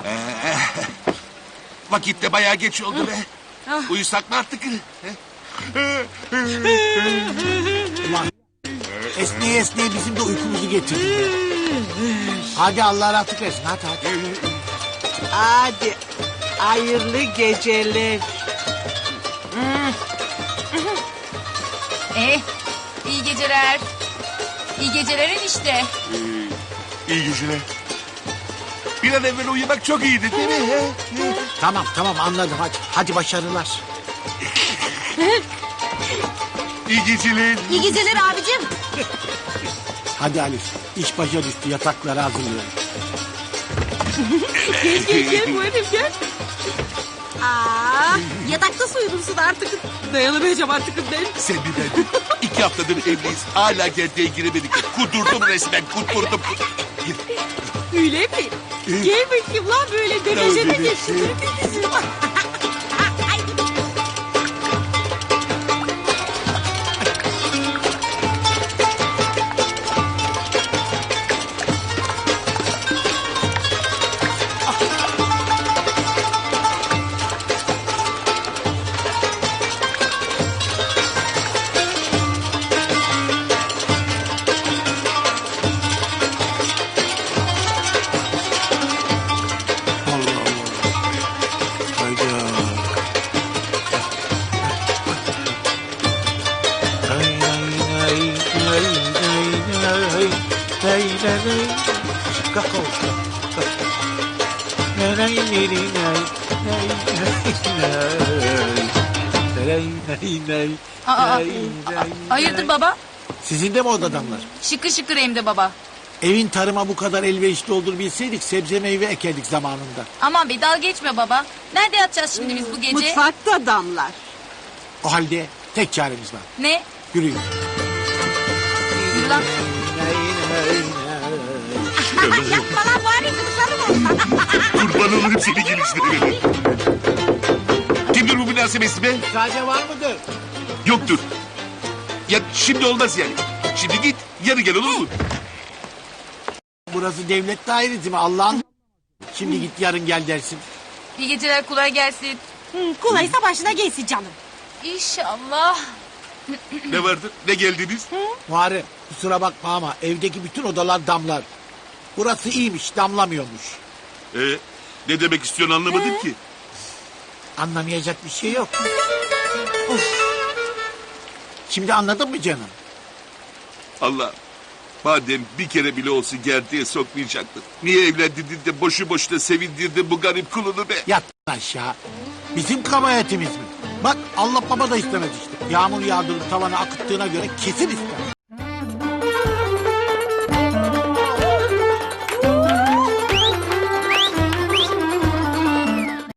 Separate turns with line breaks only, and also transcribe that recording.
Vakit de bayağı geç oldu be. Uyusak mı artık?
Ulan esneye esneye bizim de uykumuzu getirdi. Hadi Allah rahatlık versin, hadi.
Hadi hayırlı geceler.
İyi geceler. İyi geceler enişte.
İyi geceler. Bir an evvel uyumak çok iyiydi değil mi?
Tamam anladım, hadi başarılar.
İyi geceler.
İyi geceler abicim.
Hadi Alif, iş başa düştü, yatakları hazırlıyorum.
Gel Muharrem gel. Yatakta soyulursun artık. Dayanamayacağım artık ben.
Sen bir ben. 2 haftadır evliyiz. Hala gerdeğe giremedik. Kudurdum resmen, kudurdum.
Öyle mi? Gel bakayım lan böyle dönüşene geçsin.
Hayırdır baba?
Sizin de mi orada damlar?
Şıkır şıkır hem de baba.
Evin tarıma bu kadar elverişli olduğunu bilseydik sebze meyve ekerdik zamanında.
Aman be dalga geçme baba. Nerede yatacağız şimdi biz bu gece?
Mutfakta damlar.
O halde tek çaremiz var.
Ne?
Yürüyün.
Yürü lan.
Yapma lan bari kızlarım olsa.
Kurban olurum seni gelişlerine. Kimdir bu münasebesi be?
Sade var mıdır?
Yoktur. Ya şimdi olmaz yani. Şimdi git, yarın gel olur mu?
Burası devlet dairesi mi Allah'ın? Şimdi git yarın gel dersin.
İyi geceler kolay gelsin.
Kolaysa başına gelsin canım.
İnşallah.
Ne vardı? Ne geldiniz?
Muharrem kusura bakma ama evdeki bütün odalar damlar. Burası iyiymiş, damlamıyormuş.
Ne demek istiyorsun anlamadım ki.
Anlamayacak bir şey yok. Şimdi anladın mı canım?
Allah. Madem bir kere bile olsun gerdeğe sokmayacaktın. Niye evlendirdin de boşu boşuna sevindirdin bu garip kulunu be?
Yat aşağı. Bizim kabahatimiz mi? Bak Allah baba da istemez işte. Yağmur yağdırıp tavana akıttığına göre kesin ister.